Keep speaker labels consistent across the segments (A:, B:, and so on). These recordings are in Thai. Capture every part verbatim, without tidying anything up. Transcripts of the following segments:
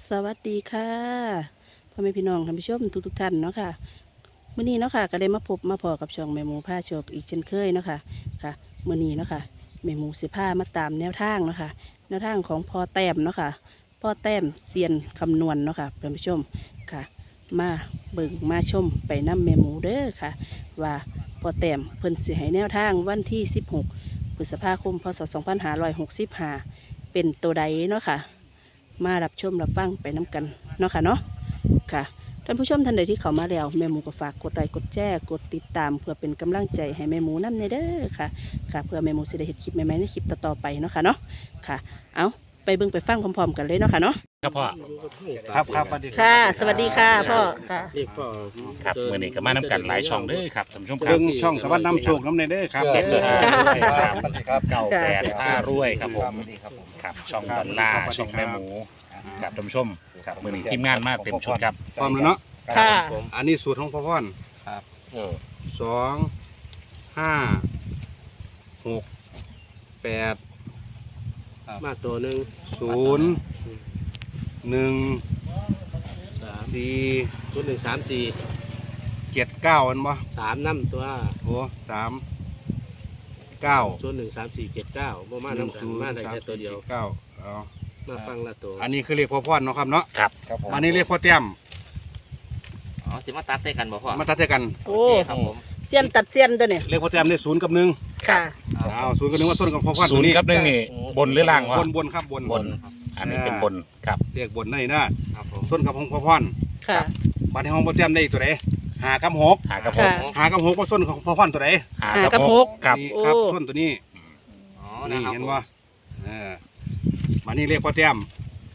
A: สวัสดีค่ะพ่อแม่พี่น้องท่านผู้ชมทุกทุกท่านเนาะค่ะมื้อนี้เนาะค่ะก็ได้มาพบมาพอกับช่องแม่หมูผ้าโชคอีกเช่นเคยเนาะค่ะค่ะมื้อนี้เนาะค่ะแม่หมูสิผ้ามาตามแนวทางเนาะค่ะแนวทางของพ่อแต้มเนาะค่ะพ่อแต้มเซียนคำนวณเนาะค่ะท่านผู้ชมค่ะมาเบิ่งมาชมไปน้ำแม่หมูเด้อค่ะว่าพ่อแต้มเพิ่นสิให้แนวทางวันที่สิบหกพฤษภาคมพศสองพันห้าร้อยหกสิบห้าเป็นตัวใดเนาะค่ะมารับชมรับฟังไปน้ำกันเนาะค่ะเนาะค่ะท่านผู้ชมท่านใดที่เข้ามาแล้วแม่หมูก็ฝากกดไลค์กดแชร์กดติดตามเพื่อเป็นกำลังใจให้แม่หมูนำในเด้อค่ะค่ะเพื่อแม่หมูสิได้เห็นคลิปใหม่ๆในคลิปต่อๆไปเนาะค่ะเนาะค่ะเอาไปเบิ่งไปฟังพร้อมๆกันเลยเนาะค่ะเนาะ
B: ครับพ่อ
C: ครับครับสวัสดี
A: ค่ะ สวัสดีค่ะพ่อค่ะ
B: ครับมื่อนี้ก็มานำกันหลายช่องเด้อครับท่านผู้ชมครั
C: เรื่
B: บ
C: องช่องสวัสดิ์นำโชคน้ำในเด้อครับ
B: เด็ดเลย
A: ค่ะ
B: ครับเก้าแปดผ้ารวยครับผมครับช่องดอลลาร์ช่องแม่หมูครับท่านผู้ชมครับมื่อนี้ทีมงานมาเต็มชุดครับ
C: พร้อมแล้วเนาะ
A: ค่ะ
C: อันนี้สูตรของพ่อพ่อน
B: ครับ
C: สองห้าหกแปด
D: มาตัวหนึ่ง
C: ศูนย์หนึ่ง
D: สาม
C: สี่
D: ตัวหนึ่งสามสี่
C: เจ็ดเก้าอันบ่
D: สามน้ำตัว
C: โอ้สามเก้า
D: ตัวหนึ่งสามสี่เจ็ดเก้าโมมา
C: หนึ่ง
D: น้ำกัน
C: ศูนย์
D: มาได้
C: สาม
D: แค่ตัว
C: สี่
D: เดียว
C: เก้าเอา
D: มาฟังละตัว
C: อันนี้คือเรียกพ่อพ่อนเนาะครับเนาะ
B: ครับ
C: อันนี้เรียกพ่อเตี้ยม
E: อ๋อสิมาตัดได้กันบ่พ่อ
C: มาตัดเท่ากัน
A: โอ้
E: โอเคครับผม
A: เซียนตัดเซียนตัวเนี่ย
C: เรียกพ่อเตี้ยมได้ศูนย์กับหนึ่ง
A: ค่ะ
C: เอาศูนย์กับหนึ่งว่าต้นกับพ่อพ่อน
B: ศู
C: ตัวน
B: ย์
C: นี้
B: กับหนึ่งนี่บนหรือล่างวะ
C: บนบนครับบน
B: บนอันนี้เป็นบนครับ
C: เรียกบนนั่นนี่นะครับ
E: ผม
C: ส้นกับของพ่อพ่อน
A: ค่ะ
C: บัดในห้องพ่อเตี้ยมได้อีกตัวไหนหากับหก
B: หากระพ
A: ค่ะ
B: ง
C: หากับหกว่าส้นของพ่อพ่อนตัวไหน
B: หา
A: หาก
B: ก
A: ระ
B: ระ
A: พ
B: พ
A: ง
B: งครับ
C: นี่ครับ
A: โอ้
C: ส้นตัวนี้
E: อ๋อ
C: นี่
E: นะครับ
C: เห็นว่าเออมานี่เรียกพ่อเตี้ยม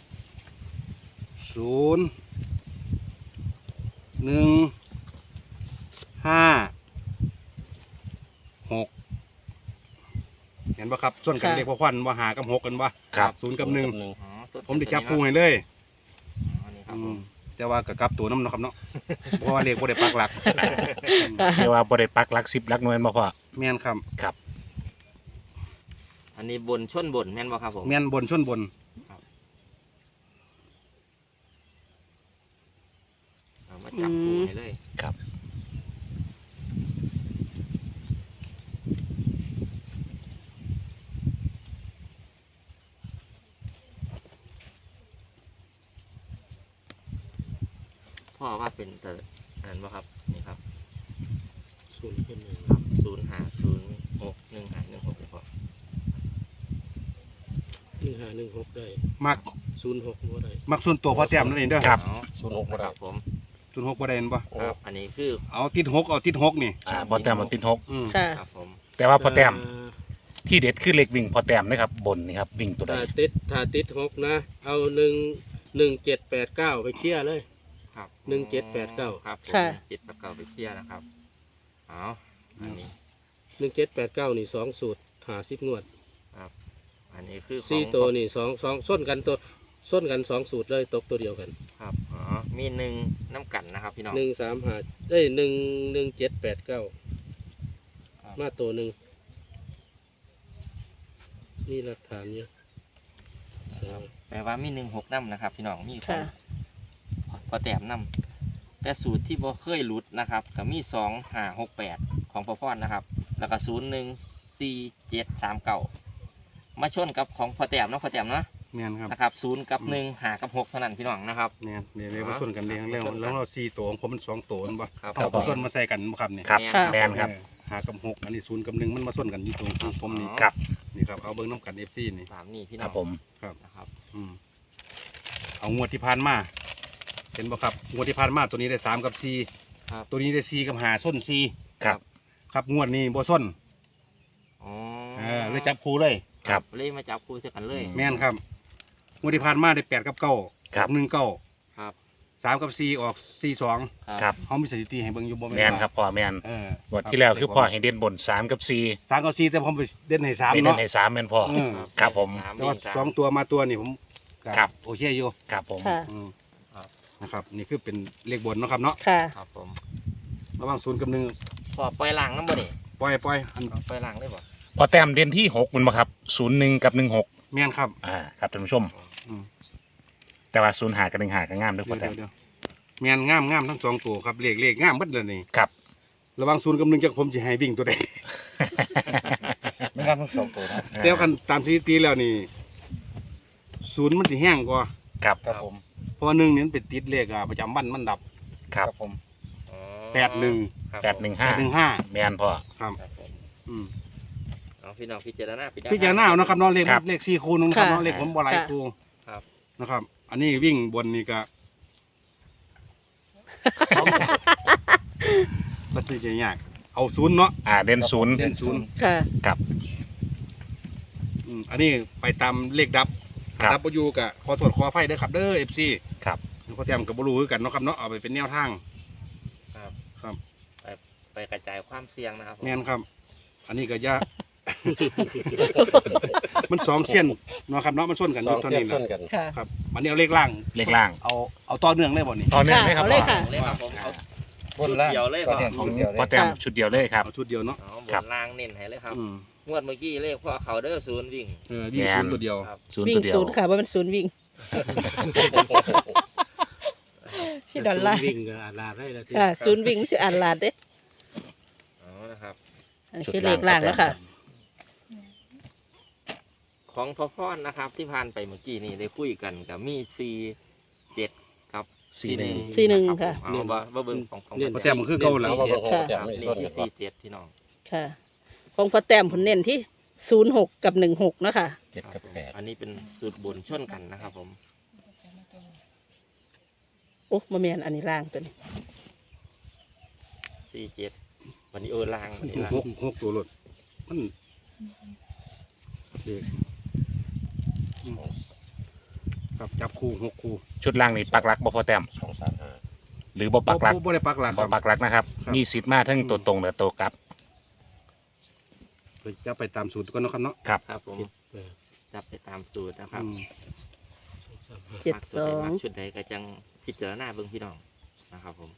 C: ศูนย์หนึ่งห้าหกเห็นปะครับส่วนกัน
A: ค่ะ
C: เรียกพ่อพ่อนว่าหากับหกกันวะ
B: ครับ
C: ศูนย์กับหนึ่ง
E: อ๋อต้น
C: ผมจะจับคู่ให้เลย
E: อ๋อนี่ครับ
C: อื
E: ผม
C: มแต่ว่ากับกลับตัวน้ำเนาะครับเนาะ เพราะว่าเรียกว่าได้ปักหลัก
B: เรียกว่าบริปักหลักสิบหลักหน่วยมาพ่อ
C: แม่นครับ
B: ครับ
E: อันนี้บนชนบนแม่นบ่ครับผม
C: แม่นบนชนบน
E: เอามาจับคู่ให้เลย
B: ครับ
E: พ่อว่าเป็นแต่อันบ่ครับนี่ครับ
D: ศูนย์เป็นหนึ่ง
E: ครับศูนย์ห้าศูนย์หกหนึ่งห้าหนึ่งหกพ่อ
D: หนึ่งห้าหนึ่งหกได้
C: มัก
D: ศูนย์หกบ่ได้
C: มักส่วนตัวพ่อเตี้ยมนั่นเองเด้อ
B: ครับ
E: อ๋อศูนย์หกครับผม
C: ส่วนหกบ่ได้เห็นปะ
E: ครับอันนี้คือ
C: เอาติดหกเอาติดหกนี่
B: อ่าพอแต้มมันติดหก
C: อืม
A: ค่ะ
E: ครับผม
B: แต่ว่าพอแต้ม
D: อ่า
B: ที่เด็ดคือเล็กวิ่งพอแต้มนะครับบนนี่ครับวิ่งตัวใด
D: ถ้าติดถ้าติดหกนะ เอาหนึ่งหนึ่งเจ็ดแปดเก้าไปเคลียร์เลย
E: ครับ
D: หนึ่งเจ็ดแปดเก้า
E: ครับผม
A: ค่ะ
E: เจ็ดแปดเก้าไปเคลียร์นะครับเอาอันนี้
D: หนึ่งเจ็ดแปดเก้านี่สองสูตรหาสิบงวด
E: อันนี้คือของ
D: สี่ตัวนี่สองสองส้นกันตัวส้นกันสองสูตรเลยตกตัวเดียวกัน
E: ครับอ๋อมีหนึ่งน้ำกันนะครับพี่น้อง
D: หนึ่งสามหาเอ้ยหนึ่งหนึ่งเจ็ดแปดเก้า
E: ครับ
D: มาตัวหนึ่งนี่หลักฐานเยอะสอง
E: แปลว่ามีหนึ่งหกน้ำนะครับ พี่น้องมีขอ
A: ค่ะ
E: งพอแต้มน้ำแต่สูตรที่บ่เคยหลุดนะครับก็มีสองห้าหกแปดของพ่อพรนะครับ แล้วก็ศูนย์หนึ่งสี่เจ็ดสามเก้ามาชนกับของพอแต้มเนาะพอแต้มเนาะ
C: แม่นครับ
E: นะครับศูนย์กับหนึ่งหากับหกเท่านั้นพี่น้องนะครับ
C: แม่นเนี่ยเรียกว่าส่วนกันเองแล้วแล้วเราสี่ตัวของผมมันสองตัวเห็นปะ
E: ครับ
C: เอาส่วนมาใส่กันบ่ครับเนี่ย
B: ครับ
A: ค่ะ
B: แมนครับ
C: เออหากับหกอันนี้ศูนย์กับหนึ่งมันมาส่วนกันอยู่ตรงที่ผมนี่
B: ครับ
C: นี่ครับเอาเบิ้งน้ำกันเอฟซีนี่
E: ตามนี่พี่
B: ค
E: น้
B: รั
E: อบ ง
B: ผม
C: ครับ
E: นะครับ
C: อืมเอางวดที่ผ่านมาเห็นบ่ครับงวดที่ผ่านมาตัวนี้ได้สามกับสี่
E: ครับ
C: ตัวนี้ได้สี่กับหาส้นสี่
B: ครับ
C: ครับงวดนี้บ่ส้น
E: อ๋อ
C: เออเลยจับคู่เลย
B: ครับ
E: เลยมาจับคู่เสียกันเลย
C: แม่นครับงวดที่ผ่านมาได้แปดกับเก้า
B: ครับ
C: หนึ่งเก้า
E: ครับ
C: สามกับสี่ออกสี่สอง
B: ครับ
C: เขามีสถิติให้เบิ่งอยู่บ่
B: แม
C: แม่
B: น
C: ว่า
B: ครับพ่อแมน
C: เออ
B: งวดที่แล้วคือพ่อให้เด่นบนสามกับสี่
C: สามกับสี่แต่ผมไปเด่นให้สาม
B: ไม่เด่
C: เนาะ
B: นให้สามแมนพ่อ
C: เออ
B: ครับผม
E: สาม
C: แต่ว่า
E: เด่นสาม
C: สองตัวมาตัวนี่ผมก็
B: ครับ
C: โอเคอยู่
B: ครับผม
A: ค่ะ
C: อืม
E: ครับ
C: นะครับ นี่คือเป็นเลขบนเนาะครับเนาะ
A: ค่ะ
E: ครับผม
C: ระหว่างศูนย์กับหนึ่ง
E: พอปล่อยหลังน้ำบ่นี่
C: ปล่อยปล่อยอัน
E: เอาปล่อยหลังได้บ่
B: พอแต้มเด่นที่หกมันมาครับศูนย์หนึ่งกับหนึ่งหก
C: แม่นครับ
B: อ่าครับท่านผู้ชม
C: อืม
B: แต่ว่าศูนย์หากับหนึ่งหาก็งามด้วยพ
C: เดี๋
B: อ
C: ยว
B: แต้ม
C: เดี๋ยวแมนงามงามทั้งสองตัวครับเลขเลขงามเบิดเลยนี่
B: ครับ
C: ระหวังศูนย์กับหนึ่งจากผมจะให้วิ่งตัวใด
F: ไม่งามทั้งสองตัวนะ
C: แต่ว่าคันตามสถิติแล้วนี่ศูนย์มันสิแห้งกว่า
B: ครับ
F: ครับผม
C: เพราะว่าหนึ่งนี่มันเป็นติดเลขอ่ะประจำวันมันดับ
B: ครับ
F: ผม
E: อ๋อ
C: แปดหนึ่ง
E: ครับ
B: แปดหนึ่ง
C: แป
B: ห้า
C: ดหนึ่งห้า
B: แมนพ่อ
C: ครับ
E: ครับผม
C: อืม
E: เอาพี่น้องพิจารณา
C: พี่จารณาเอานะครับเนาะเลข
B: ครับ
C: เลขสี่คูณนะครับ
A: ค่ะ
C: เนาะเลขผมบ่หลาย
A: ค่ะ
C: คู
E: ครับ
C: นะครับ อันนี้วิ่งบนนี่ก็ก็คือจะยากเอาศูนย์เนาะ
B: อ่าเด่นศูนย์
C: เด่นศูนย์
A: ค่ะ
B: ครับ
C: อืมอันนี้ไปตามเลขดับ
B: ครับ
C: ดับอยู่กับขอโทษขออภัยเด้อครับเด้อ เอฟ ซี
B: ครับ
C: พอแต้มกับบรูคือกันเนาะครับเนาะเอาไปเป็นแนวทาง
E: ครับ
C: ครับ
E: ไปไปกระจายความเสี่ยงนะครับผม
C: แม่นครับ อันนี้ก็ยาก มันสองเส้นเนาะครับเนาะมันส้นกันอ
F: สอยู่ ง
C: เท่า
F: เส้น
C: นี้
F: ช
C: นะ
F: นกัน
A: ค่ะ
C: ครับอันนี้เอาเลขล่าง
B: เลขล่าง
C: เอาเอาต่อเนื่องเลยบ่นี่
B: ตอนนี้เลยครับ
A: เอาเลย
B: พ่อ
A: ค่ะ
E: เลยครับผมเอา
F: บนล่าง
E: ชุดเดียวเลย
F: ก็
E: พ่อ
F: เด่น
B: ของ
F: ชุดเดียวเลย
B: พ่อแต้มชุดเดียวเลยครับ
C: เอาชุดเดียวเนาะ
E: เอาบ
B: ครับ
E: นล่างเน้นให้เลยครับ
C: อืม
E: งวดเมื่อกี้เลขพ่อเขาเด้อศูนย์วิ่ง
C: เออวิ่ง
B: แม่น
C: ศูนย์ตัวเดียว
E: ครับ
B: ศูนย์
A: วิ่
B: ตั
A: ง
B: วเดียว
A: ศูนย์ค่ะว่ามันศูนย์วิ่ง พี่ดอลลาร์
D: วิ่งก็อาลาได้แล้วที่
A: ค่ะศูนย์วิ่งมันจะอ่านลาดเด้
E: เอานะครับ
A: อันนี้คือเลขล่างแล้วค่ะ
E: ของพ่อพ่อนนะครับ ที่ผ่านไปเมื่อกี้นี่ได้คุยกันกับมีซีเจ็ดครับ
B: สี่หนึ่ง
A: สี่หนึ่ง
E: รับ
A: ค่ะ
E: ผมเอาบ่บ่เบิ่งของของ
C: พอแต้มมันคือเก่าแล้ว
F: เอามาเบิ่งของ
A: ค่ะ
F: ประจำ
E: ครับ
F: ไม่
E: นี่
F: ชน
E: ที่
F: กันก่อ
E: ซี
F: น
E: เจ็ดพี่น้อง
A: ค่ะ ของพอแต้มผลเน้นที่ศูนย์หกกับหนึ่งหกเนาะคะ
F: เจ็ดกับแปด
E: อันนี้เป็นสูตรบนชนกันนะครับผม
A: โอ้มาเมียนอันนี้ล่างตัวนี้
E: ซีเจ็ดวันนี้เออล่างวันนี้ล่าง
C: หกหกตัวรถมันเลขอืมครับจับคู่หกคู่
B: ชุดล่างนี่ปักหลักบ่พ่อแต้ม
F: สองสามห้า
B: หรือบ่ปักหลัก
C: บ่ได้ปักหลักค
B: บ่
C: รับ
B: ปักหลักนะครับ
C: ครับ
B: มีสิทธิ์มาทั้งตัวตรงและตัวกลับ
C: เพื่อจะไปตามสูตรก่อนเนาะครับเนาะ
B: ครับ
E: ครับผม
D: เออ
E: จับไปตามสูตรนะครับ
C: อืม
D: สองสามห้า
A: เจ็ด
E: มัก
A: ส
E: ตัว
A: อ
E: ใด
A: ง
E: มักชุดใดก็จังพิจารณาเบิ่งพี่น้องนะครับผม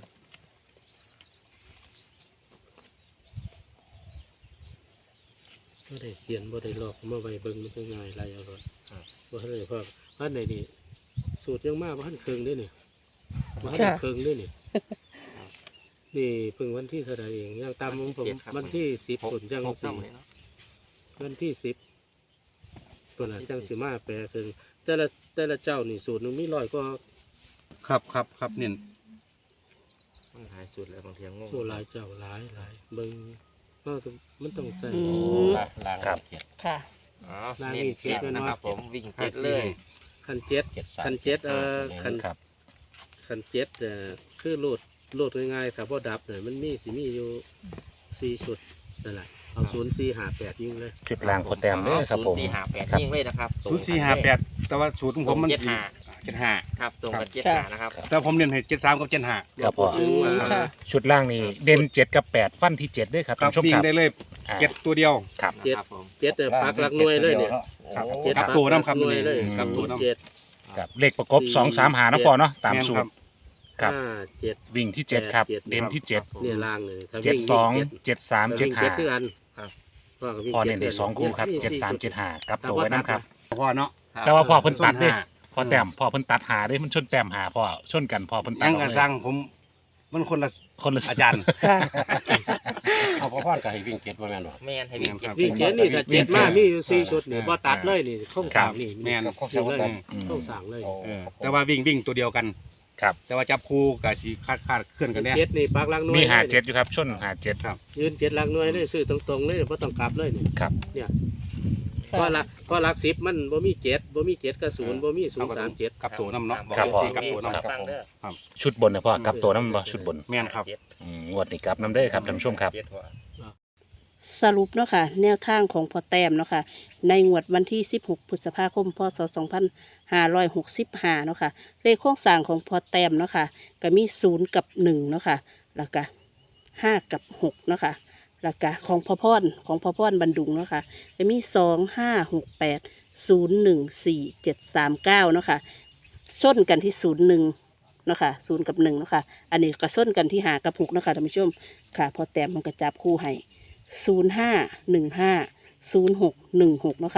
D: บ่ได้เขียนบ่ได้ลอกมาไว้เบิ่งมันก็ง่ายไรเอารถบ่ทันได้พอพันใดนี่สูตรยังมาบ่ทันเครื่องเด้นี่บ่ทันได้
A: ค่ะ
D: เครื่องเด้นี่นี่เพิ่งวันที่เท่าไหร่เองยังตามของผมวันที่สิบผลยัง
E: หก
D: สี่
E: เท่าเลยเนาะ
D: วันที่สิบตัวน่ะจังสิมาแปลคือแต่ละแต่ละเจ้านี่สูตรหนึงมีร้อยก็
C: ครับครับครับเนี่ย
E: มันหลายสูตรแล้วบางทีงง
D: โอ้หลายเจ้าหลายหลายเบิ่งก็มันต้องใส่
A: อืม
F: ล่างล่าง
B: ครับ
F: เจ็ด
A: ค่ะ
E: อ๋อเน้นเจ็ดนะครับผมวิ่งเจ็ดเลย
D: คันเจ็ด
F: เจ็ดสาม
D: คันเจ็ดเอ่อคัน
B: ครับ
D: คันเจ็ดเอ่อคือโหลดโหลดง่ายๆครับเพราะดับเนี่ยมันมีสิมีอยู่สี่ชุดนั่นแหละเอาศูนย์สี่หาแปดยิงเลย
B: ชุดล่างพ่อแต้มเด้อครับผม
E: ศูนย์สี่ห้าแปด
B: ครับ
E: ยิ่งเลยนะครับ
C: ศูนย์สี่ห้าแปดแต่ว่าสูตรของผมมัน
E: เจ็ดห้า
C: เจ็ดห้า
E: ครับตรงกับเจ็ด
A: ครับ
E: หานะครับ
C: แต่ผมเรียนให้เจ็ดสามกับเจ็ดห้า
B: ครับพ่อ
A: อืมค่ะ
B: ชุดล่างนี่เด่นเจ็ดกับแปดฟันที่เจ็ดด้วยครับ
C: ครั
B: ท่า
C: บ
B: นผู้ชม
C: วิ่ง
B: ครับ
C: ได้เลย
B: อ่า
C: เจ็ดตัวเดียว
B: ครับ
E: เจ็ดครับผม
D: เจ็ดเนี่ยปักหลักหน่วยเลยเนี่ย
C: ครับ
D: เจ็ด
C: กลับ
D: ปัก
C: ตัวน้ำครับ
D: หน่วยเลย
C: กลับตัวน้ำ
D: เจ็ด
B: ครับเลขประกบสองสามหานะพ่อเนาะตามสูตร ครับ
D: ห้าเจ็ด
B: วิ่งที่เจ็ดครับ
D: เจ็ด
B: เด่นที่เจ็ด
D: เนี่ยล่างเลยถ้า
B: เจ็ด
D: วิ่
B: สอง
D: วิ่
B: เจ็ดสาม
D: เจ็
B: เจ็
D: ด
B: ด
D: เจ็ด
B: ห้า
D: คืออันว่าก็วิ่ง
B: พ่อ
D: จ็
B: เน้นได้สองคู่ครับเจ็ดสามเจ็ดห้ากับตัวไว้น้ำครับ
C: พ่อเนาะ
B: แต่ว่าพ่อเพิ่นตัดเด้
C: ส้นห้า
B: พอแต้มพ่อเพิ่นตัดหาเด้มันชนแต้มหาพ่อชนกันพ่อเพิ่นตัด
C: ยัง
B: ออก
C: กระ
B: เลย
C: ซังผมมันคนละ
B: คนละ
C: อาจารย์
A: ค่ะ
F: เอาพ่อพ่อก็ให้วิ่งเจ็ดว่าแม่นบ่
E: แม่นให้วิ่งเจ็ด
D: วิ่งเจ็ดนี่ถ้าเจ็ดมามีอยู่สี่ชุดเนี่ยบ่ตัดเลยนี่เข้าสามนี่
C: แม่น
F: ก็
D: วิ่งเลย
F: กัน
B: อืม
D: เข้าสามเลย
C: เออแต่ว่าวิ่งวิ่งตัวเดียวกัน
B: ครับ
C: แต่ว่าจับคู่กับสีคาดคาดเคลื่อนกันเนี่ย
D: เจ็ดนี่ปักหลักหน่วย
B: มีหา
D: ลย
B: เจ็ดอยู่ครับชนหาเจ็ด
C: ครับ
D: ยืนเจ็ดหลักหน่วยเลยซื้อตรงๆเลยบ่ต้องกลับเลยนี่
B: ครับ
D: เนี่ยเพราะหลักเพราะหลักสิบมันบ่มีเจ็ดบ่มีเจ็ดกับศูนย์บ่มีศูนย์สามเจ็ด
C: กับตัวน้ำเนาะ
B: ครับพ่อ
C: กับตัวน้ำ
E: ครับฟังเด้อ
B: ชุดบนนะพ่อกลับตัวน้ำบ่ชุดบน
C: แม่นครับ
B: อืมงวดนี้กลับน้ำเด้อครับท่านผู้ชมครับ
E: เจ็ดหัว
A: สรุปเนาะค่ะแนวทางของพอแต้มเนาะค่ะในงวดวันที่สิบหกพฤษภาคมพศสองพันห้าร้อยหกสิบห้าเนาะค่ะเลขโครงสร้างของพอแต้มเนาะค่ะก็มีศูนย์กับหนึ่งเนาะค่ะแล้วก็ห้ากับหกเนาะค่ะแล้วก็ของพ่อพ่อนของพ่อพ่อนบันดุงเนาะค่ะก็มีสองห้าหกแปดศูนย์หนึ่งสี่เจ็ดสามเก้าเนาะค่ะส้นกันที่ศูนย์หนึ่งเนาะค่ะศูนย์กับหนึ่งเนาะค่ะอันนี้ก็ส้นกันที่หากับหกเนาะค่ะท่านผู้ชมค่ะพอแต้มมันก็จับคู่ให้ ศูนย์ห้าหนึ่งห้าศูนย์หกหนึ่งหกเนาะค่ะ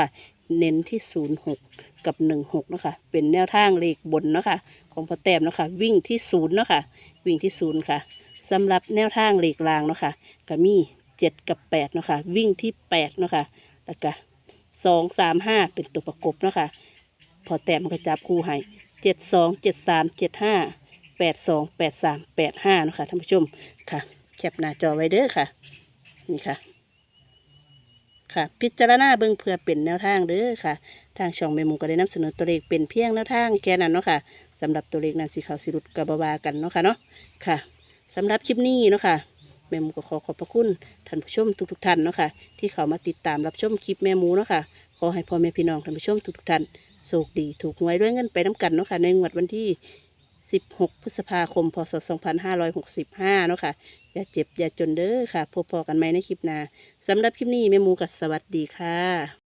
A: เน้นที่ศูนย์หกกับหนึ่งหกเนาะค่ะเป็นแนวทางเลขบนเนาะค่ะของพ่อแต้มเนาะค่ะวิ่งที่ศูนย์เนาะค่ะวิ่งที่ศูนย์ค่ะสำหรับแนวทางเลขรางเนาะค่ะก็มีเจ็ดกับแปดเนาะค่ะวิ่งที่แปดเนาะค่ะแล้วก็สองสามห้าเป็นตัวประกบเนาะค่ะพอแต้มก็จับคู่ให้เจ็ดสองเจ็ดสามเจ็ดห้าแปดสองแปดสามแปดห้าเนาะค่ะท่านผู้ชมค่ะแคปหน้าจอไว้เด้อค่ะนี่ค่ะค่ะพิจารณาเบิ่งเพื่อเป็นแนวทางเด้อค่ะทางช่องแม่หมูก็ได้นำเสนอตัวเลขเป็นเพียงแนวทางแค่นั้นเนาะค่ะสำหรับตัวเลขนั้นสีขาวสีรุดกับบาวากันเนาะค่ะเนาะค่ะสำหรับคลิปนี้เนาะค่ะแม่หมูก็ขอขอบพระคุณท่านผู้ชมทุกๆท่านเนาะค่ะที่เข้ามาติดตามรับชมคลิปแม่หมูเนาะค่ะขอให้พ่อแม่พี่น้องท่านผู้ชมทุกๆท่านโชคดีถูกหวยด้วยเงินไปน้ำกันเนาะค่ะในงวดวันที่สิบหกพฤษภาคมพศสองพันห้าร้อยหกสิบห้าเนาะค่ะอย่าเจ็บอย่าจนเด้อค่ะพบพอกันใหม่ในคลิปหน้าสำหรับคลิปนี้แม่หมูก็สวัสดีค่ะ